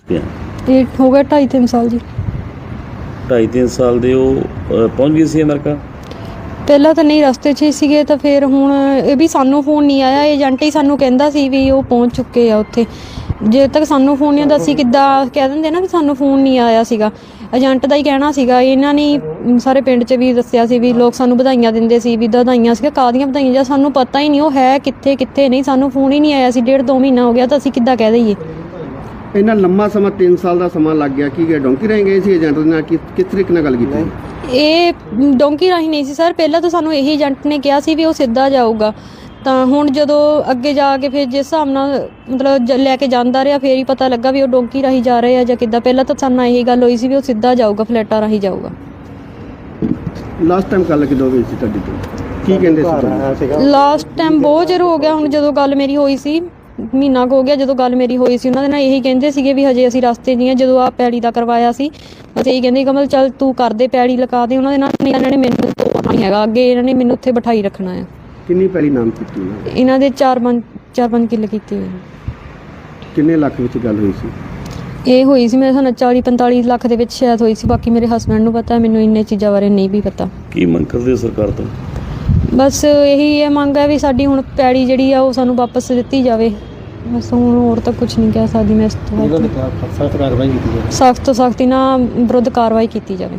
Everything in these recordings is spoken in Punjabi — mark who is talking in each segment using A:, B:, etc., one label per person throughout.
A: ਇਹ ਹੋ ਗਿਆ 2.5-3 ਸਾਲ ਜੀ।
B: 2.5-3 ਸਾਲ ਦੇ ਉਹ ਪਹੁੰਚ ਗਏ ਸੀ ਅਮਰੀਕਾ?
A: ਪਹਿਲਾਂ ਤਾਂ ਨਹੀਂ, ਰਸਤੇ 'ਚ ਹੀ ਸੀਗੇ। ਤਾਂ ਫਿਰ ਹੁਣ ਇਹ ਵੀ ਸਾਨੂੰ ਫੋਨ ਨਹੀਂ ਆਇਆ, ਏਜੰਟ ਹੀ ਸਾਨੂੰ ਕਹਿੰਦਾ ਸੀ ਵੀ ਉਹ ਪਹੁੰਚ ਚੁੱਕੇ ਆ ਉੱਥੇ। ਜੇ ਤੱਕ ਸਾਨੂੰ ਫੋਨ ਨਹੀਂ ਆਉਂਦਾ ਸੀ ਕਿੱਦਾਂ ਕਹਿ ਦਿੰਦੇ ਨਾ ਵੀ ਸਾਨੂੰ ਫੋਨ ਨਹੀਂ ਆਇਆ ਸੀਗਾ। ਏਜੰਟ ਦਾ ਹੀ ਕਹਿਣਾ ਸੀਗਾ। ਇਹਨਾਂ ਨੇ ਸਾਰੇ ਪਿੰਡ 'ਚ ਵੀ ਦੱਸਿਆ ਸੀ ਵੀ ਲੋਕ ਸਾਨੂੰ ਵਧਾਈਆਂ ਦਿੰਦੇ ਸੀ ਵੀ ਵਧਾਈਆਂ ਸੀਗਾ, ਕਾਹਦੀਆਂ ਵਧਾਈਆਂ, ਜਾਂ ਸਾਨੂੰ ਪਤਾ ਹੀ ਨਹੀਂ ਉਹ ਹੈ ਕਿੱਥੇ ਨਹੀਂ। ਸਾਨੂੰ ਫੋਨ ਹੀ ਨਹੀਂ ਆਇਆ ਸੀ, 1.5-2 ਮਹੀਨਾ ਹੋ ਗਿਆ, ਤਾਂ ਅਸੀਂ ਕਿੱਦਾਂ ਕਹਿ ਦਈਏ।
C: ਇੰਨਾ ਲੰਮਾ ਸਮਾਂ 3 ਸਾਲ ਦਾ ਸਮਾਂ ਲੱਗ ਗਿਆ। ਕੀ ਡੋਂਕੀ ਰਾਹੀਂ ਗਏ ਸੀ ਏਜੰਟ ਦੇ ਨਾਲ? ਕਿਸ ਤਰੀਕੇ ਨਾਲ ਗੱਲ ਕੀਤੀ?
A: ਇਹ ਡੋਂਕੀ ਰਾਹੀਂ ਨਹੀਂ ਸੀ ਸਰ। ਪਹਿਲਾਂ ਤਾਂ ਸਾਨੂੰ ਇਹੀ ਏਜੰਟ ਨੇ ਕਿਹਾ ਸੀ ਵੀ ਉਹ ਸਿੱਧਾ ਜਾਊਗਾ। ਤਾਂ ਹੁਣ ਜਦੋਂ ਅੱਗੇ ਜਾ ਕੇ ਫਿਰ ਜਿਸ ਹਿਸਾਬ ਨਾਲ ਮਤਲਬ ਲੈ ਕੇ ਜਾਂਦਾ ਰਿਹਾ, ਫਿਰ ਹੀ ਪਤਾ ਲੱਗਾ ਵੀ ਉਹ ਡੋਂਕੀ ਰਾਹੀਂ ਜਾ ਰਹੇ ਆ ਜਾਂ ਕਿੱਦਾਂ। ਪਹਿਲਾਂ ਤਾਂ ਸਾਨੂੰ ਇਹੀ ਗੱਲ ਹੋਈ ਸੀ ਵੀ ਉਹ ਸਿੱਧਾ ਜਾਊਗਾ, ਫਲੈਟਾਂ ਰਾਹੀਂ ਜਾਊਗਾ।
C: ਲਾਸਟ ਟਾਈਮ ਗੱਲ ਕਿਦੋਂ ਹੋਈ ਸੀ ਤੁਹਾਡੀ ਤੋਂ? ਕੀ ਕਹਿੰਦੇ ਸੀ?
A: ਲਾਸਟ ਟਾਈਮ ਬਹੁਤ ਚਿਰ ਹੋ ਗਿਆ ਹੁਣ। ਜਦੋਂ ਗੱਲ ਮੇਰੀ ਹੋਈ ਸੀ, ਮਹੀਨਾ ਕੁ ਹੋ ਗਿਆ ਜਦੋਂ ਗੱਲ ਮੇਰੀ ਹੋਈ ਸੀ, ਉਹਨਾਂ ਦੇ ਨਾਲ ਇਹੀ ਕਹਿੰਦੇ ਸੀਗੇ ਵੀ ਹਜੇ ਅਸੀਂ ਰਸਤੇ 'ਚ ਹੀ ਹਾਂ। ਜਦੋਂ ਆਹ ਪੈੜੀ ਦਾ ਕਰਵਾਇਆ ਸੀ ਅਸੀਂ ਇਹੀ ਕਹਿੰਦੇ ਕਮਲ ਚੱਲ ਤੂੰ ਕਰਦੇ, ਪੈੜੀ ਲਗਾ ਦੇ। ਉਹਨਾਂ ਦੇ ਨਾਲ ਇਹਨਾਂ ਨੇ ਮੈਨੂੰ ਤੋੜਨਾ ਨਹੀਂ ਹੈਗਾ, ਅੱਗੇ ਇਹਨਾਂ ਨੇ ਮੈਨੂੰ ਉੱਥੇ ਬਿਠਾਈ ਰੱਖਣਾ ਆ।
C: ਕਿੰਨੀ ਪੈੜੀ ਨਾਮ ਕੀਤੀ
A: ਇਹਨਾਂ ਦੇ 4-5 ਕਿੱਲੇ ਕੀਤੇ ਹੋਏ।
C: ਕਿੰਨੇ ਲੱਖ ਵਿੱਚ ਗੱਲ ਹੋਈ ਸੀ?
A: ਇਹ ਹੋਈ ਸੀ ਮੇਰੇ ਸਾਨੂੰ 40-45 ਲੱਖ ਦੇ ਵਿੱਚ ਸ਼ਾਇਦ ਹੋਈ ਸੀ। ਬਾਕੀ ਮੇਰੇ ਹਸਬੈਂਡ ਨੂੰ ਪਤਾ, ਮੈਨੂੰ ਇੰਨੇ ਚੀਜ਼ਾਂ ਬਾਰੇ ਨਹੀਂ ਵੀ ਪਤਾ।
B: ਕੀ ਮੰਗ ਕਰਦੇ ਹੋ ਸਰਕਾਰ ਤੋਂ?
A: ਬਸ ਇਹੀ ਇਹ ਮੰਗ ਹੈ ਵੀ ਸਾਡੀ ਹੁਣ ਪੈੜੀ ਜਿਹੜੀ ਆ ਉਹ ਸਾਨੂੰ ਵਾਪਸ ਦਿੱਤੀ ਜਾਵੇ। ਬਸ ਹੁਣ ਹੋਰ ਤਾਂ ਕੁਝ ਨਹੀਂ ਕਹਿ ਸਕਦੀ ਮੈਂ ਇਸ ਤੋਂ।
C: ਸਖਤ ਕਾਰਵਾਈ ਕੀਤੀ ਜਾਵੇ,
A: ਸਖਤ ਤੋਂ ਸਖਤ ਇਹਨਾਂ ਵਿਰੁੱਧ ਕਾਰਵਾਈ ਕੀਤੀ ਜਾਵੇ।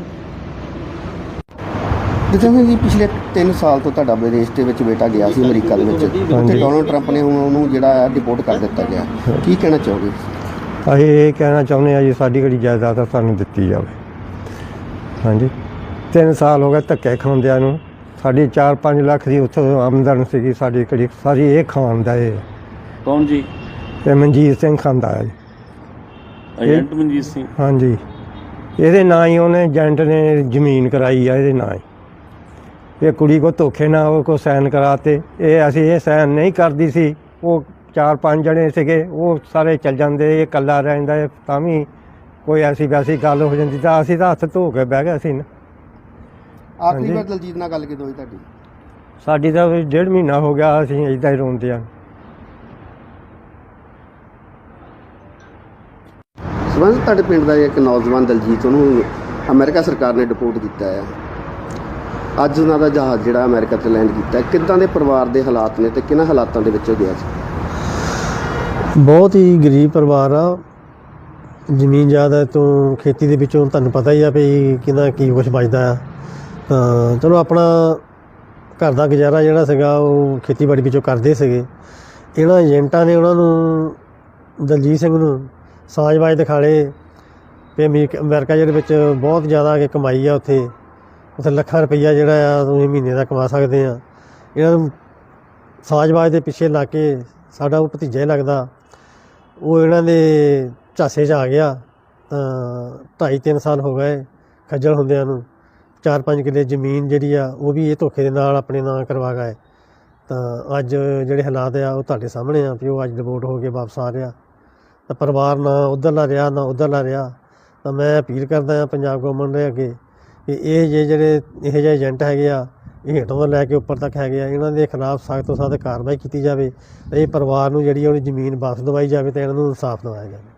C: ਜਿਵੇਂ ਜੀ ਪਿਛਲੇ 3 ਸਾਲ ਤੋਂ ਤੁਹਾਡਾ ਵਿਦੇਸ਼ ਦੇ ਵਿੱਚ ਬੇਟਾ ਗਿਆ ਸੀ ਅਮਰੀਕਾ ਦੇ ਵਿੱਚ, ਉੱਥੇ ਡੋਨਲਡ ਟਰੰਪ ਨੇ ਹੁਣ ਉਹਨੂੰ ਜਿਹੜਾ ਡਿਪੋਰਟ ਕਰ ਦਿੱਤਾ ਗਿਆ। ਕੀ ਕਹਿਣਾ ਚਾਹੋਗੇ?
D: ਅਸੀਂ ਇਹ ਕਹਿਣਾ ਚਾਹੁੰਦੇ ਹਾਂ ਜੀ ਸਾਡੀ ਜਿਹੜੀ ਜਾਇਦਾਦ ਆ ਸਾਨੂੰ ਦਿੱਤੀ ਜਾਵੇ। ਹਾਂਜੀ, 3 ਸਾਲ ਹੋ ਗਏ ਧੱਕੇ ਖਾਂਦਿਆਂ ਨੂੰ। ਸਾਡੀ 4-5 ਲੱਖ ਦੀ ਉੱਥੋਂ ਆਮਦਨ ਸੀਗੀ, ਸਾਡੀ ਕਿਹੜੀ ਸਾਰੀ ਇਹ ਖਾਣ ਦਾ। ਇਹ
B: ਕੌਣ ਜੀ?
D: ਇਹ ਮਨਜੀਤ ਸਿੰਘ ਖਾਂਦਾ ਹੈ ਜੀ।
B: ਏਜੰਟ ਮਨਜੀਤ ਸਿੰਘ?
D: ਹਾਂਜੀ, ਇਹਦੇ ਨਾਂ ਹੀ ਉਹਨੇ ਏਜੰਟ ਨੇ ਜ਼ਮੀਨ ਕਰਾਈ ਆ ਇਹਦੇ ਨਾਂ ਹੀ। ਇਹ ਕੁੜੀ ਕੋ ਧੋਖੇ ਨਾਲ ਉਹ ਕੋ ਸਾਈਨ ਕਰਾਤੇ। ਇਹ ਅਸੀਂ ਇਹ ਸਾਈਨ ਨਹੀਂ ਕਰਦੀ ਸੀ। ਉਹ 4-5 ਜਣੇ ਸੀਗੇ, ਉਹ ਸਾਰੇ ਚੱਲ ਜਾਂਦੇ, ਇਹ ਇਕੱਲਾ ਰਹਿੰਦਾ। ਤਾਂ ਵੀ ਕੋਈ ਐਸੀ ਵੈਸੀ ਗੱਲ ਹੋ ਜਾਂਦੀ ਤਾਂ ਅਸੀਂ ਤਾਂ ਹੱਥ ਧੋ ਕੇ ਬਹਿ ਗਏ ਸੀ ਨਾ।
C: ਆਖਰੀ ਵਾਰ ਦਲਜੀਤ ਨਾਲ ਗੱਲ ਕਿਦੋਂ ਹੋਈ ਤੁਹਾਡੀ?
D: ਸਾਡੀ ਤਾਂ 1.5 ਮਹੀਨਾ ਹੋ ਗਿਆ, ਅਸੀਂ ਇੱਦਾਂ ਹੀ ਰੋਂਦੇ ਹਾਂ।
C: ਸਬੰਧ ਤੁਹਾਡੇ ਪਿੰਡ ਦਾ ਇੱਕ ਨੌਜਵਾਨ ਦਲਜੀਤ, ਉਹਨੂੰ ਅਮਰੀਕਾ ਸਰਕਾਰ ਨੇ ਡਿਪੋਰਟ ਕੀਤਾ ਹੈ। ਅੱਜ ਉਹਨਾਂ ਦਾ ਜਹਾਜ਼ ਜਿਹੜਾ ਅਮਰੀਕਾ 'ਚ ਲੈਂਡ ਕੀਤਾ, ਕਿੱਦਾਂ ਦੇ ਪਰਿਵਾਰ ਦੇ ਹਾਲਾਤ ਨੇ ਤੇ ਕਿਹਨਾਂ ਹਾਲਾਤਾਂ ਦੇ ਵਿੱਚ ਉਹ ਗਿਆ ਸੀ?
E: ਬਹੁਤ ਹੀ ਗਰੀਬ ਪਰਿਵਾਰ ਆ। ਜ਼ਮੀਨ ਜਾਇਦਾਦ ਤੋਂ, ਖੇਤੀ ਦੇ ਵਿੱਚੋਂ ਤੁਹਾਨੂੰ ਪਤਾ ਹੀ ਆ ਵੀ ਕਿੰਨਾ ਕੀ ਕੁਛ ਬਚਦਾ ਆ। ਤਾਂ ਚਲੋ ਆਪਣਾ ਘਰ ਦਾ ਗੁਜ਼ਾਰਾ ਜਿਹੜਾ ਸੀਗਾ ਉਹ ਖੇਤੀਬਾੜੀ ਵਿੱਚੋਂ ਕਰਦੇ ਸੀਗੇ। ਇਹਨਾਂ ਏਜੰਟਾਂ ਨੇ ਉਹਨਾਂ ਨੂੰ, ਦਲਜੀਤ ਸਿੰਘ ਨੂੰ ਸਾਜ਼ਬਾਜ਼ ਦਿਖਾਲੇ ਵੀ ਅਮਰੀਕਾ ਜਿਹੜੇ ਵਿੱਚ ਬਹੁਤ ਜ਼ਿਆਦਾ ਕਮਾਈ ਆ। ਉੱਥੇ ਲੱਖਾਂ ਰੁਪਈਆ ਜਿਹੜਾ ਆ ਤੁਸੀਂ ਮਹੀਨੇ ਦਾ ਕਮਾ ਸਕਦੇ ਆ। ਇਹਨਾਂ ਨੂੰ ਸਾਜ਼ਬਾਜ਼ ਦੇ ਪਿੱਛੇ ਲਾ ਕੇ ਸਾਡਾ ਉਹ ਭਤੀਜਾ ਹੀ ਲੱਗਦਾ, ਉਹ ਇਹਨਾਂ ਦੇ ਝਾਸੇ 'ਚ ਆ ਗਿਆ। ਤਾਂ 2.5-3 ਸਾਲ ਹੋ ਗਏ ਖੱਜਲ ਹੁੰਦਿਆਂ ਨੂੰ। 4-5 ਕਿੱਲੇ ਜ਼ਮੀਨ ਜਿਹੜੀ ਆ ਉਹ ਵੀ ਇਹ ਧੋਖੇ ਦੇ ਨਾਲ ਆਪਣੇ ਨਾਂ ਕਰਵਾ ਗਏ। ਤਾਂ ਅੱਜ ਜਿਹੜੇ ਹਾਲਾਤ ਆ ਉਹ ਤੁਹਾਡੇ ਸਾਹਮਣੇ ਆ ਵੀ ਉਹ ਅੱਜ ਡਿਪੋਰਟ ਹੋ ਕੇ ਵਾਪਸ ਆ ਰਿਹਾ। ਤਾਂ ਪਰਿਵਾਰ ਨਾ ਉੱਧਰਲਾ ਰਿਹਾ ਨਾ ਉੱਧਰਲਾ ਰਿਹਾ। ਤਾਂ ਮੈਂ ਅਪੀਲ ਕਰਦਾ ਹਾਂ ਪੰਜਾਬ ਗੌਰਮੈਂਟ ਦੇ ਅੱਗੇ ਕਿ ਇਹ ਜਿਹੜੇ ਇਹੋ ਜਿਹੇ ਏਜੰਟ ਹੈਗੇ ਆ, ਇਹ ਹੇਠੋਂ ਤੋਂ ਲੈ ਕੇ ਉੱਪਰ ਤੱਕ ਹੈਗੇ ਆ, ਇਹਨਾਂ ਦੇ ਖਿਲਾਫ ਸਖਤ ਤੋਂ ਸਖਤ ਕਾਰਵਾਈ ਕੀਤੀ ਜਾਵੇ। ਇਹ ਪਰਿਵਾਰ ਨੂੰ ਜਿਹੜੀ ਉਹਦੀ ਜ਼ਮੀਨ ਵਾਪਸ ਦਵਾਈ ਜਾਵੇ ਅਤੇ ਇਹਨਾਂ ਨੂੰ ਇਨਸਾਫ ਦਿਵਾਇਆ ਜਾਵੇ।